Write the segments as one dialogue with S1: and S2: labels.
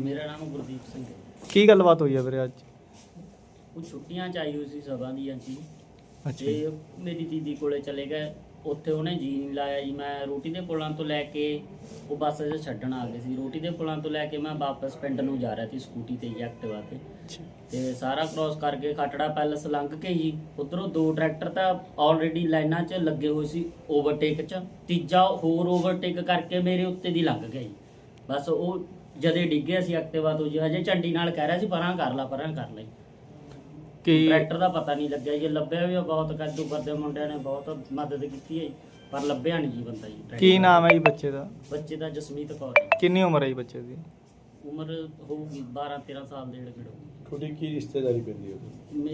S1: मेरा नाम गुरदीप सिंह है।
S2: ਕੀ ਗੱਲਬਾਤ ਹੋਈ ਹੈ ਵੀਰੇ ਅੱਜ?
S1: कुछ छुट्टियां चाहिए हुई सी सभा ਦੀਆਂ ਸੀ
S2: ਅੱਛਾ
S1: ਤੇ ਮੇਰੀ ਦੀਦੀ ਕੋਲੇ ਚਲੇ ਗਏ। ਉੱਥੇ ਉਹਨੇ ਜੀ ਨਹੀਂ ਲਾਇਆ ਜੀ। ਮੈਂ ਰੋਟੀ ਦੇ ਪੁਲਾਂ ਤੋਂ ਲੈ ਕੇ ਉਹ ਬੱਸ 'ਚ ਛੱਡਣ ਆ ਗਏ ਸੀ। ਰੋਟੀ ਦੇ ਪੁਲਾਂ ਤੋਂ ਲੈ ਕੇ ਮੈਂ ਵਾਪਸ ਪਿੰਡ ਨੂੰ ਜਾ ਰਿਹਾ ਸੀ ਸਕੂਟੀ ਤੇ ਐਕਟਿਵਾ ਤੇ। ਤੇ ਸਾਰਾ ਕ੍ਰੋਸ ਕਰਕੇ ਖਟੜਾ ਪੈਲਸ ਲੰਘ ਕੇ ਜੀ ਉਧਰੋਂ ਦੋ ਟਰੈਕਟਰ ਤਾਂ ਆਲਰੇਡੀ ਲਾਈਨਾਂ 'ਚ ਲੱਗੇ ਹੋਏ ਸੀ ਓਵਰਟੇਕ 'ਚ। ਤੀਜਾ ਹੋਰ ਓਵਰਟੇਕ ਕਰਕੇ ਮੇਰੇ ਉੱਤੇ ਦੀ ਲੰਘ ਗਿਆ ਜੀ। ਬਸ ਉਹ ਜਦੇ ਡਿੱਗਿਆ ਸੀ ਐਕਟਿਵਾ ਤੋਂ ਜੀ। ਹਜੇ ਝੰਡੀ ਨਾਲ ਕਹਿ ਰਿਹਾ ਸੀ ਪਰਾਂ ਕਰ ਲਾ ਪਰਾਂ ਕਰ ਲਈ।
S2: ਕੀ
S1: ਟਰੈਕਟਰ ਦਾ ਪਤਾ ਨਹੀਂ ਲੱਗਿਆ ਜੀ। ਲੱਭਿਆ ਵੀ ਆ, ਬਹੁਤ ਕੱਦੂ ਕਰਦੇ ਮੁੰਡਿਆਂ ਨੇ ਬਹੁਤ ਮਦਦ ਕੀਤੀ ਹੈ ਜੀ, ਪਰ ਲੱਭਿਆ ਨਹੀਂ ਜੀ ਬੰਦਾ ਜੀ।
S2: ਕੀ ਨਾਮ ਹੈ ਜੀ ਬੱਚੇ ਦਾ?
S1: ਬੱਚੇ ਦਾ ਜਸਮੀਤ ਕੌਰ ਜੀ।
S2: ਕਿੰਨੀ ਉਮਰ ਹੈ ਜੀ ਬੱਚੇ ਦੀ?
S1: ਉਮਰ ਹੋਊਗੀ 12-13 ਸਾਲ ਦੇ ਏੜ ਹੋਊਗੀ।
S3: ਤੁਹਾਡੀ ਕੀ ਰਿਸ਼ਤੇਦਾਰੀ ਪੈਂਦੀ ਹੈ?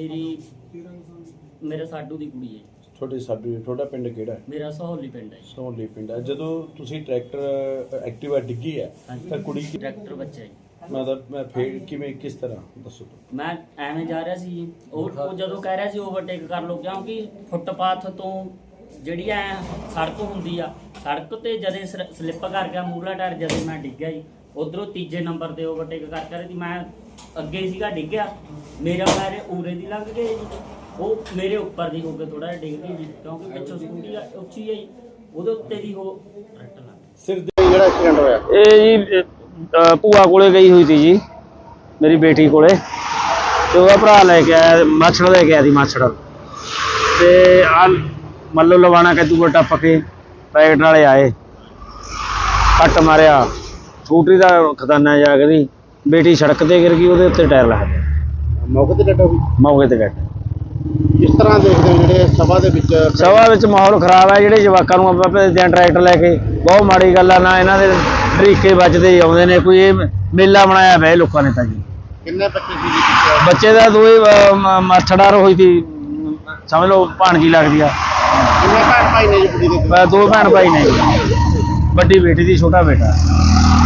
S1: ਮੇਰੇ ਸਾਡੂ ਦੀ ਕੁੜੀ ਹੈ।
S3: ਤੁਹਾਡਾ ਪਿੰਡ ਕਿਹੜਾ ਹੈ?
S1: ਮੇਰਾ ਸਹੌਲੀ ਪਿੰਡ ਹੈ ਜੀ।
S3: ਸੋਹਲੀ ਪਿੰਡ ਹੈ। ਜਦੋਂ ਤੁਸੀਂ ਟਰੈਕਟਰ ਐਕਟਿਵਾ ਡਿੱਗੀ ਹੈ
S1: ਹਾਂਜੀ।
S3: ਤਾਂ ਕੁੜੀ
S1: ਟਰੈਕਟਰ ਬੱਚਾ ਜੀ।
S3: ਮੈਂ ਫੇਰ ਕਿਵੇਂ ਕਿਸ ਤਰ੍ਹਾਂ ਦੱਸੋ?
S1: ਮੈਂ ਐਵੇਂ ਜਾ ਰਿਹਾ ਸੀ ਜੀ। ਉਹ ਜਦੋਂ ਕਹਿ ਰਿਹਾ ਸੀ ਓਵਰਟੇਕ ਕਰ ਲਓ, ਕਿਉਂਕਿ ਫੁੱਟਪਾਥ ਤੋਂ ਜਿਹੜੀ ਐ ਸੜਕ ਹੁੰਦੀ ਆ, ਸੜਕ ਤੇ ਜਦੇ ਸਲਿੱਪ ਕਰ ਗਿਆ ਮੂਹਰਲਾ ਟਾਇਰ। ਜਦੇ ਮੈਂ ਡਿੱਗਿਆ ਜੀ। ਉਧਰੋਂ ਤੀਜੇ ਨੰਬਰ ਤੇ ਓਵਰਟੇਕ ਕਰ ਰਹੀ ਸੀ। ਮੈਂ ਅੱਗੇ ਸੀਗਾ ਡਿੱਗਿਆ। ਮੇਰਾ ਪੈਰ ਉਰੇ ਦੀ ਲੰਘ ਗਏ ਜੀ। ਉਹ ਮੇਰੇ ਉੱਪਰ ਦੀ ਹੋ ਕੇ ਥੋੜਾ ਜਿਹਾ ਡਿੱਗ ਗਈ ਜੀ, ਕਿਉਂਕਿ ਪਿੱਛੋਂ ਸਕੂਟੀ ਉੱਚੀ ਹੈ ਜੀ। ਉਹਦੇ ਉੱਤੇ ਦੀ ਉਹ ਟਰੈਕਟਰ ਲੱਗ ਗਿਆ।
S3: ਸਿਰ ਦੇ ਜਿਹੜਾ ਐਕਸੀਡੈਂਟ ਹੋਇਆ
S4: ਇਹ ਜੀ ਭੂਆ ਕੋਲੇ ਗਈ ਹੋਈ ਸੀ ਜੀ, ਮੇਰੀ ਬੇਟੀ ਕੋਲੇ। ਤੇ ਉਹਦਾ ਭਰਾ ਲੈ ਕੇ ਆਇਆ, ਮਾਛੜ ਲੈ ਕੇ ਆਇਆ ਸੀ ਮਾਛੜ। ਤੇ ਆ ਮੱਲੋ ਲਵਾਣਾ ਕੱਦੂ ਟੱਪ ਕੇ ਪੈਕਟ ਵਾਲੇ ਆਏ, ਕੱਟ ਮਾਰਿਆ। ਸਕੂਟਰੀ ਦਾ ਖਜ਼ਾਨਾ ਜਾ ਕੇ ਬੇਟੀ ਸੜਕ ਤੇ ਗਿਰ ਗਈ, ਉਹਦੇ ਉੱਤੇ ਟਾਇਰ ਲੱਗ ਗਿਆ।
S3: ਮੌਕੇ ਤੇ ਡੈਡ ਹੋ ਗਈ।
S4: ਮੌਕੇ ਤੇ ਡੈਡ।
S3: ਕਿਸ ਤਰ੍ਹਾਂ ਦੇਖਦੇ ਹੋ ਜਿਹੜੇ ਸਭਾ ਦੇ ਵਿੱਚ
S4: ਮਾਹੌਲ ਖਰਾਬ ਹੈ। ਜਿਹੜੇ ਜਵਾਕਾਂ ਨੂੰ ਆਪਾਂ ਭੇਜਦੇ ਹਾਂ ਟਰੈਕਟਰ ਲੈ ਕੇ, ਬਹੁਤ ਮਾੜੀ ਗੱਲ ਆ। ਨਾ ਇਹਨਾਂ ਦੇ ਤਰੀਕੇ ਵੱਜਦੇ ਆਉਂਦੇ ਨੇ। ਕੋਈ ਇਹ ਮੇਲਾ ਬਣਾਇਆ ਪਿਆ ਲੋਕਾਂ ਨੇ ਤਾਂ ਜੀ।
S3: ਕਿੰਨੇ ਬੱਚੇ ਸੀ?
S4: ਬੱਚੇ ਦਾ ਦੋਏ ਮਾਛੜਾਰ ਹੋਈ ਸੀ, ਸਮਝ ਲਓ ਭਾਣਜੀ ਲੱਗਦੀ ਆ।
S3: ਕਿੰਨੇ ਭੈਣ ਭਾਈ ਨੇ ਜੀ ਕੁੜੀ ਦੇ?
S4: ਦੋ ਭੈਣ ਭਾਈ ਨੇ, ਵੱਡੀ ਬੇਟੀ ਦੀ, ਛੋਟਾ ਬੇਟਾ।